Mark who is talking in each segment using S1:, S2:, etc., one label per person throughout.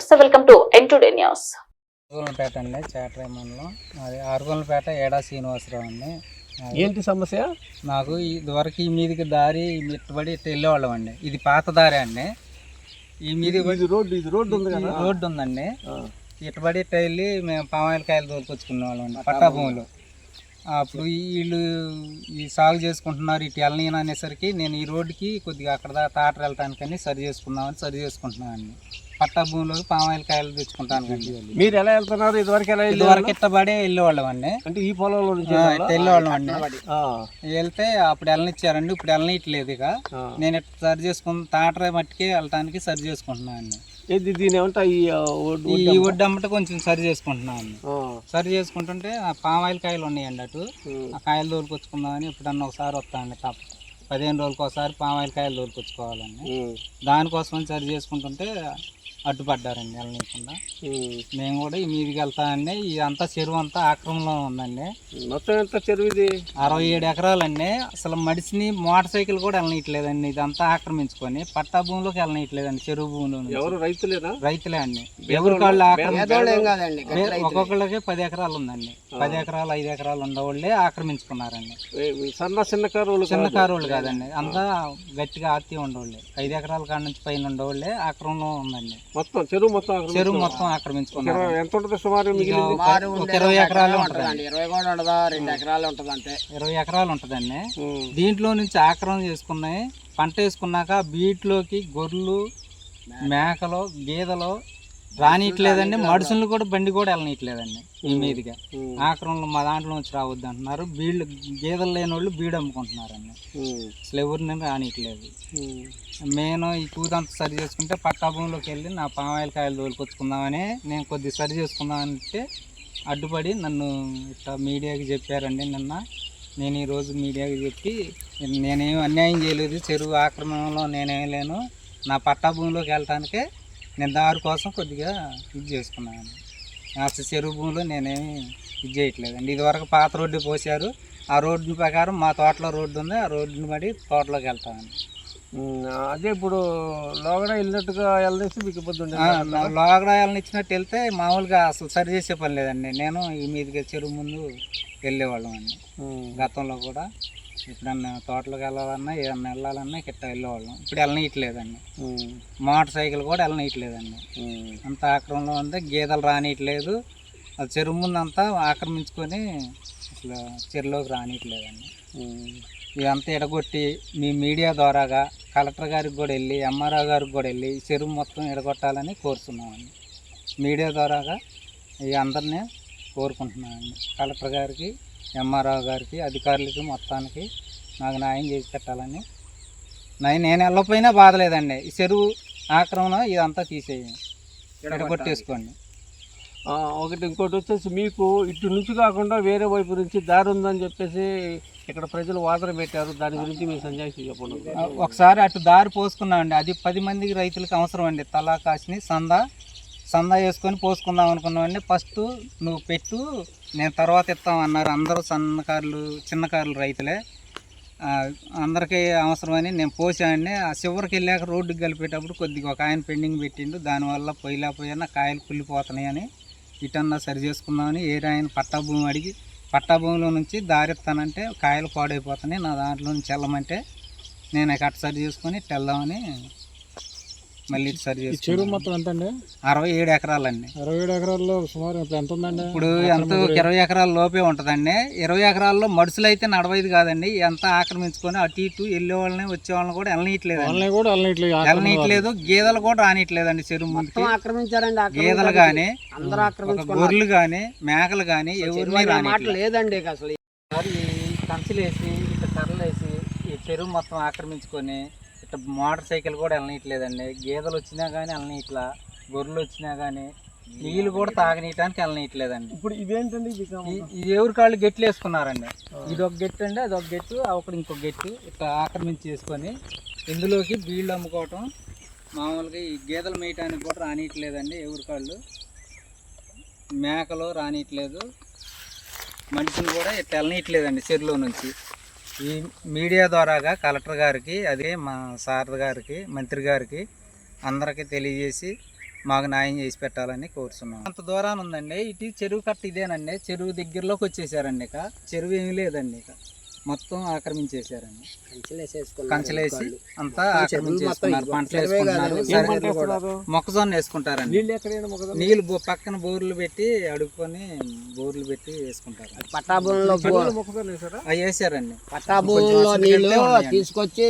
S1: నమస్తే, welcome to N2 news.
S2: ఆరుగోలపేట అండి, చేటరాయి మండలం. అది ఆరుగోలపేట ఏడా శ్రీనివాసరావు అండి.
S3: ఏంటి సమస్య?
S2: నాకు ఇదివరకు ఈ మీదికి దారి ఇట్టుబడి ఇట్లా వెళ్ళేవాళ్ళం అండి. ఇది పాత దారి అండి. ఈ మీది
S3: రోడ్డు ఉంది కదా,
S2: రోడ్డు ఉందండి. ఇట్టుబడి ఇట్లా వెళ్ళి మేము పామాయిలకాయలు తోలుకొచ్చుకునే వాళ్ళం అండి పట్టా భూములు. అప్పుడు వీళ్ళు ఈ సాగు చేసుకుంటున్నారు ఇటు వెళ్ళనీయను అనేసరికి నేను ఈ రోడ్డుకి కొద్దిగా అక్కడ తాటరు వెళ్ళటానికని సరి చేసుకుంటున్నానండి. పట్టా భూమిలోకి పామాయిలకాయలు తెచ్చుకుంటాను కండి.
S3: మీరు ఎలా వెళ్తున్నారు?
S2: ఇదివరకు ఇట్టబడే వెళ్ళేవాళ్ళం అండి.
S3: అంటే ఈ పొలంలో నుంచి
S2: వెళ్ళేవాళ్ళం అండి. వెళ్తే అప్పుడు వెళ్ళనిచ్చారండి, ఇప్పుడు వెళ్ళనీయట్లేదు. ఇక నేను ఇట్లా సరి చేసుకుని తాటర మట్టికి వెళ్ళటానికి సరి చేసుకుంటున్నాను అండి.
S3: దీని ఏమంటా ఈ
S2: ఒడ్డు అమ్మట కొంచెం సరి చేసుకుంటున్నాను. సరి చేసుకుంటుంటే ఆ పామాయిల్ కాయలు ఉన్నాయండి అటు. ఆ కాయలు తోలుకొచ్చుకుందామని ఎప్పుడన్నా ఒకసారి వస్తానండి. 15 రోజులకు ఒకసారి పామాయిల్ కాయలు తోలుకొచ్చుకోవాలండి. దానికోసం సరి చేసుకుంటుంటే అడ్డుపడ్డారండి వెళ్ళనీయకుండా. మేము కూడా ఈ మీదికి వెళ్తామండి. ఇదంతా చెరువు అంతా ఆక్రమణలో ఉందండి.
S3: మొత్తం ఎంత చెరువు ఇది?
S2: 67 ఎకరాలండి. అసలు మడిసిని మోటార్ సైకిల్ కూడా వెళ్ళనీయట్లేదండి. ఇదంతా ఆక్రమించుకొని పట్టా భూమిలోకి వెళ్ళనీయట్లేదండి. చెరువు భూమిలో
S3: ఎవరు రైతులే అండి.
S2: ఎవరి కాళ్ళు ఒక్కొక్కళ్ళకి 10 ఎకరాలు ఉందండి. 10 ఎకరాలు 5 ఎకరాలు ఉండవాళ్ళే ఆక్రమించుకున్నారండి.
S3: చిన్న కారులు
S2: కాదండి, అంతా గట్టిగా ఆర్తి ఉండవాళ్ళే. 5 ఎకరాల కాడ నుంచి పైన ఉండవాళ్ళే ఆక్రమణలో ఉందండి.
S3: చెరువు మొత్తం
S2: ఆక్రమించుకున్నారు.
S3: ఎంత ఉంటుంది సుమారు?
S2: 20 ఎకరాలు ఉంటుందండి.
S3: 2 ఎకరాలు ఉంటుంది అంతే.
S2: 20 ఎకరాలు ఉంటుందండి. దీంట్లో నుంచి ఆక్రమణ చేసుకున్నాయి. పంట వేసుకున్నాక బీట్లోకి గొర్రెలు, మేకలు, గేదెలు రానియట్లేదండి. మనుషులు కూడా బండి కూడా వెళ్ళనీయట్లేదండి. ఈ మీదుగా ఆక్రమణలు మా దాంట్లో నుంచి రావద్దు అంటున్నారు. బీళ్ళు గేదెలు లేని వాళ్ళు బీడు అమ్ముకుంటున్నారండి. అసలు ఎవరిని రానియట్లేదు. నేను ఈ కూతంతా సరి చేసుకుంటే పట్టా భూమిలోకి వెళ్ళి నా పామాయిల్ కాయలు తోలుకొచ్చుకుందామని నేను కొద్దిగా సరి చేసుకుందామంటే అడ్డుపడి నన్ను ఇట్లా మీడియాకి చెప్పారండి నిన్న. నేను ఈరోజు మీడియాకి చెప్పి నేనేం అన్యాయం చేయలేదు, చెరువు ఆక్రమణలో నేనేం లేను, నా పట్టా భూమిలోకి వెళ్ళటానికే నేను దారి కోసం కొద్దిగా ఇది చేసుకున్నాను. అసలు చెరువు భూమిలో నేనేమి ఇది చేయట్లేదండి. ఇదివరకు పాత రోడ్డు పోసారు. ఆ రోడ్డు ప్రకారం మా తోటలో రోడ్డు ఉంది. ఆ రోడ్డుని బట్టి తోటలోకి వెళ్తామండి.
S3: అదే ఇప్పుడు లోగడ వెళ్ళినట్టుగా వెళ్ళేసి మీకు ఇబ్బంది ఉంది.
S2: లోగడ వెళ్ళనిచ్చినట్టు వెళ్తే మామూలుగా అసలు సరి చేసే పని లేదండి. నేను ఈ మీదుగా చెరువు ముందు వెళ్ళేవాళ్ళం అండి. గతంలో కూడా ఎప్పుడన్నా తోటలోకి వెళ్ళాలన్నా ఏదన్నా వెళ్ళాలన్నా కిట్ట వెళ్ళేవాళ్ళం. ఇప్పుడు వెళ్ళనీయట్లేదండి. మోటార్ సైకిల్ కూడా వెళ్ళనీయట్లేదండి. అంత ఆక్రమణలో ఉంది. గేదెలు రానియట్లేదు. అది చెరువు ముందు అంతా ఆక్రమించుకొని అసలు చెరువులోకి రానియట్లేదండి. ఇదంతా ఎడగొట్టి మీ మీడియా ద్వారాగా కలెక్టర్ గారికి కూడా వెళ్ళి ఎంఆర్ఓ గారికి కూడా వెళ్ళి చెరువు మొత్తం ఎడగొట్టాలని కోరుతున్నామండి. మీడియా ద్వారాగా ఈ అందరినీ కోరుకుంటున్నామండి. కలెక్టర్ గారికి, ఎంఆర్ఓ గారికి, అధికారులకి మొత్తానికి నాకు న్యాయం చేసి పెట్టాలని. నేను వెళ్ళకపోయినా బాధలేదండి. ఈ చెరువు ఆక్రమణ ఇదంతా తీసేయండి, ఎడగొట్టేసుకోండి.
S3: ఇంకోటి వచ్చేసి మీకు ఇటు నుంచి కాకుండా వేరే వైపు నుంచి దారి ఉందని చెప్పేసి ఇక్కడ ప్రజలు వాదన పెట్టారు. దాని గురించి మీ సంజాయిషి చెప్పండి.
S2: ఒకసారి అటు దారి పోసుకున్నామండి. అది 10 మందికి రైతులకు అవసరం అండి. తలా కాసిని సందా వేసుకొని పోసుకుందాం అనుకున్నామండి. ఫస్ట్ నువ్వు పెట్టు, నేను తర్వాత ఇస్తామన్నారు. అందరూ చిన్న కార్లు రైతులే, అందరికీ అవసరమని నేను పోసానండి. ఆ చివరికి వెళ్ళాక రోడ్డుకి కలిపేటప్పుడు కొద్దిగా ఒక ఆయన పెండింగ్ పెట్టిండు. దానివల్ల పోయినా కాయలు కుళ్ళిపోతున్నాయని ఇటన్నా సరి చేసుకుందామని ఆయన పట్టా భూమి అడిగి పట్టా భూమిలో నుంచి దారిస్తానంటే కాయలు పాడైపోతున్నాయి, నా దాంట్లో నుంచి వెళ్ళమంటే నేను కట్ట సరి చేసుకొని వెళ్దామని మళ్ళీ సరి చేసి.
S3: చెరువు మొత్తం ఎంత అండి?
S2: 67 ఎకరాలండి.
S3: 67 ఎకరాల్లో సుమారు ఎంత ఉందండి?
S2: ఇప్పుడు ఎంత 20 ఎకరాల లోపే ఉంటుందండి. 20 ఎకరాల్లో మడుసులు అయితే నడవైదు కాదండి. ఎంత ఆక్రమించుకొని అటు ఇటు వెళ్ళే వాళ్ళని వచ్చే వాళ్ళని కూడా వెళ్ళనీయట్లేదు. గేదెలు కూడా రానియట్లేదండి. చెరువు ముందుకు ఆక్రమించారండి. గేదెలు కానీ, గొర్రెలు కానీ, మేకలు కానీ ఎవరిని రానియట్లేదండి. అసలు ఈ కంచెలేసి ఇట్లా కర్రలేసి ఈ చెరువు మొత్తం ఆక్రమించుకొని ఇట్లా మోటార్ సైకిల్ కూడా వెళ్ళనీయట్లేదండి. గేదెలు వచ్చినా కానీ వెళ్ళనీయట్లా, గొర్రెలు వచ్చినా కానీ నీళ్ళు కూడా తాగనీయటానికి వెళ్ళనీయట్లేదండి.
S3: ఇప్పుడు ఇదేంటండి?
S2: ఇది ఎవరి కాళ్ళు గెట్లు వేసుకున్నారండి. ఇది ఒక గెట్టు అండి, అది ఒక గెట్టు, ఒకటి ఇంకొక గెట్టు ఇట్లా ఆక్రమించి చేసుకొని ఇందులోకి బీళ్ళు అమ్ముకోవటం. మామూలుగా ఈ గేదెలు మేయటానికి కూడా రానియట్లేదండి. ఎవరి కాళ్ళు మేకలు రానియట్లేదు, మనుషులు కూడా ఇట్లా వెళ్ళనీయట్లేదండి చెరువులో నుంచి. ఈ మీడియా ద్వారాగా కలెక్టర్ గారికి, అదే మా సార్ గారికి, మంత్రి గారికి అందరికీ తెలియజేసి మాకు న్యాయం చేసి పెట్టాలని కోరుతున్నాం. అంత దూరాన్ని ఉందండి, ఇటు చెరువు కట్ట ఇదేనండి. చెరువు దగ్గరలోకి వచ్చేసారండి. ఇక చెరువు ఏమీ లేదండి, ఇక మొత్తం ఆక్రమించేశారండి. కంచెలేసి అంతా ఆక్రమించేసుకున్నారు. పంటలు వేసుకుంటున్నారు, మొక్కజొన్న వేసుకుంటారండి. నీళ్ళు పక్కన బోర్లు పెట్టి అడుక్కొని బోర్లు పెట్టి వేసుకుంటారు.
S1: పట్టాభూమిలో
S2: అవి వేసారండి.
S1: పట్టాభూమిలో నీళ్లు తీసుకొచ్చి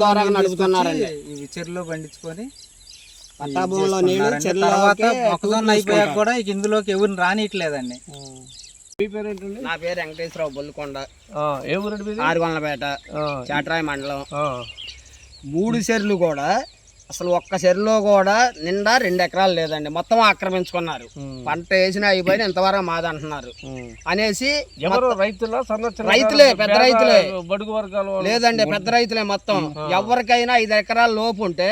S2: ఇవి చెరువులో పండించుకొని
S1: పట్టాభూమిలో నీళ్లు
S2: తర్వాత మొక్కజొన్న అయిపోయాక కూడా ఇక ఇందులోకి ఎవరిని రానియట్లేదండి.
S3: మీ పేరు ఏంటండి?
S1: నా పేరు వెంకటేశ్వరరావు, బొల్లుకొండ,
S3: ఏ ఊరండి మీది?
S1: ఆరుగొండలపేట, చాట్రాయి మండలం. 3 చెర్లు కూడా అసలు ఒక్క చెరులో కూడా నిండా 2 ఎకరాలు లేదండి, మొత్తం ఆక్రమించుకున్నారు. పంట వేసినా అయిపోయిన ఇంతవరకు మాదంటున్నారు అనేసి.
S3: ఎవరు రైతుల సంరక్షణ?
S1: రైతులే, పెద్ద రైతులే,
S3: బడుగు వర్గాలు
S1: లేదండి, పెద్ద రైతులే మొత్తం. ఎవరికైనా 5 ఎకరాల లోపు ఉంటే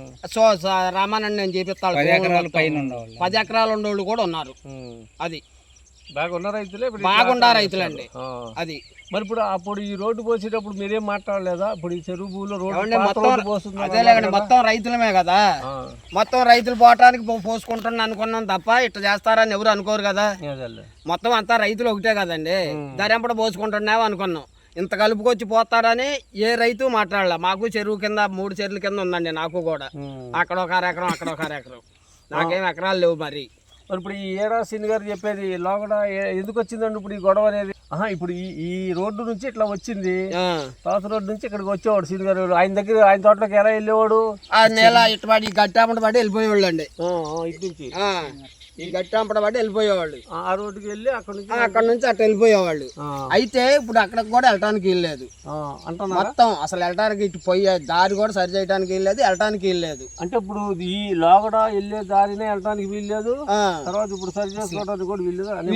S1: రామానండి నేను చూపిస్తాడు,
S2: 10 ఎకరాల పైన
S1: 10 ఎకరాలు ఉండేవాళ్ళు కూడా ఉన్నారు. అది
S3: బాగున్న రైతులే,
S1: బాగుండా రైతులండి. అది
S3: మరి ఇప్పుడు అప్పుడు ఈ రోడ్డు పోసేటప్పుడు మీరేం మాట్లాడలేదా? ఇప్పుడు ఈ చెరువు భూమిలో
S1: అదేలేకండి, మొత్తం రైతులమే కదా, మొత్తం రైతులు పోవటానికి పోసుకుంటాను అనుకున్నాం తప్ప ఇట్లా చేస్తారని ఎవరు అనుకోరు కదా. మొత్తం అంతా రైతులు ఒకటే కదండి, దరెంపడ పోసుకుంటున్నావు అనుకున్నాం. ఇంత కలుపుకొచ్చి పోతారని ఏ రైతు మాట్లాడలే. మాకు చెరువు కింద 3 చెరువుల కింద ఉందండి, నాకు కూడా. అక్కడ ఒక ఎకరం, అక్కడ ఒక ఎకరం, నాకేం ఎకరాలు లేవు. మరి
S3: ఇప్పుడు ఈ ఏడా సీని గారు చెప్పేది లోగడ ఎందుకు వచ్చిందండి ఇప్పుడు ఈ గొడవ అనేది? ఇప్పుడు ఈ రోడ్డు నుంచి ఇట్లా వచ్చింది, తాత రోడ్డు నుంచి ఇక్కడికి వచ్చేవాడు సీని గారు. ఆయన తోటలోకి ఎలా వెళ్ళేవాడు?
S1: ఆ నెల ఇటుపడి గట్టాపడి పడి వెళ్ళిపోయేవాళ్ళు అండి.
S3: ఇటు నుంచి
S1: ఈ గట్టాంపడ పడి వెళ్ళిపోయేవాళ్ళు.
S3: ఆ రోడ్డుకి వెళ్ళి
S1: అక్కడ నుంచి అట్లా వెళ్ళిపోయేవాళ్ళు. అయితే ఇప్పుడు అక్కడికి కూడా వెళ్ళటానికి వీల్లేదు మొత్తం. అసలు వెళ్ళటానికి ఇటు పోయే దారి కూడా సరి చేయడానికి వీల్లేదు, వెళ్ళటానికి వీల్లేదు.
S3: అంటే ఇప్పుడు ఈ లోగడ వెళ్ళే దారినే వెళ్ళటానికి వీల్లేదు, తర్వాత ఇప్పుడు సరి చేసుకోవడానికి కూడా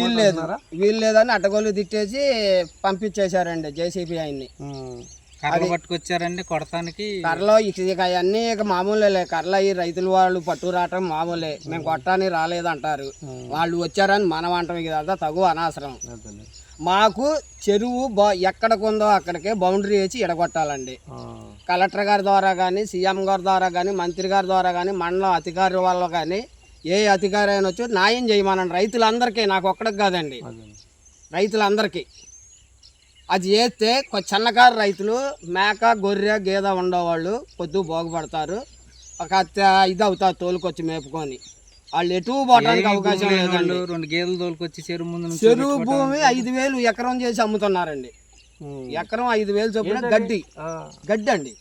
S1: వీల్లేదని అడ్డగోలు తిట్టేసి పంపించేశారండి జేసీబీ ఆయన్ని.
S2: కర్రలు పట్టుకొచ్చారండి కొడతానికి.
S1: కర్రలో ఇక అవన్నీ ఇక మామూలే. కర్రలు అయ్యి రైతులు వాళ్ళు పట్టు రావటం మామూలే. మేము కొట్టడానికి రాలేదంటారు, వాళ్ళు వచ్చారని మనం అంటాం. ఇదంతా తగు అనవసరం. మాకు చెరువు ఎక్కడికి ఉందో అక్కడికే బౌండరీ వేసి ఎడగొట్టాలండి. కలెక్టర్ గారి ద్వారా కానీ, సీఎం గారి ద్వారా కానీ, మంత్రి గారి ద్వారా కానీ, మండలం అధికారి వాళ్ళ కానీ, ఏ అధికారి అయినా వచ్చి న్యాయం చేయమనండి రైతులందరికీ. నాకు ఒక్కడికి కాదండి, రైతులందరికీ. అది చేస్తే చిన్నకారు రైతులు మేక, గొర్రె, గేద ఉండేవాళ్ళు కొద్దిగా బాగుపడతారు. ఒక ఇది అవుతారు తోలుకొచ్చి మేపుకొని. వాళ్ళు ఎటు పోవడానికి అవకాశం లేదండి.
S2: 2 గేదెలు తోలుకొచ్చి చెరువు ముందు
S1: చెరువు భూమి 5,000 ఎకరం చేసి అమ్ముతున్నారండి. ఎకరం 5,000 చొప్పున గడ్డి అండి.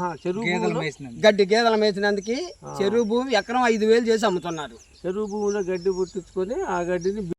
S1: గేదెలు మేసినందుకు చెరువు భూమి ఎకరం 5,000 చేసి అమ్ముతున్నారు.
S3: చెరువు భూమిలో గడ్డి పుట్టించుకొని ఆ గడ్డిని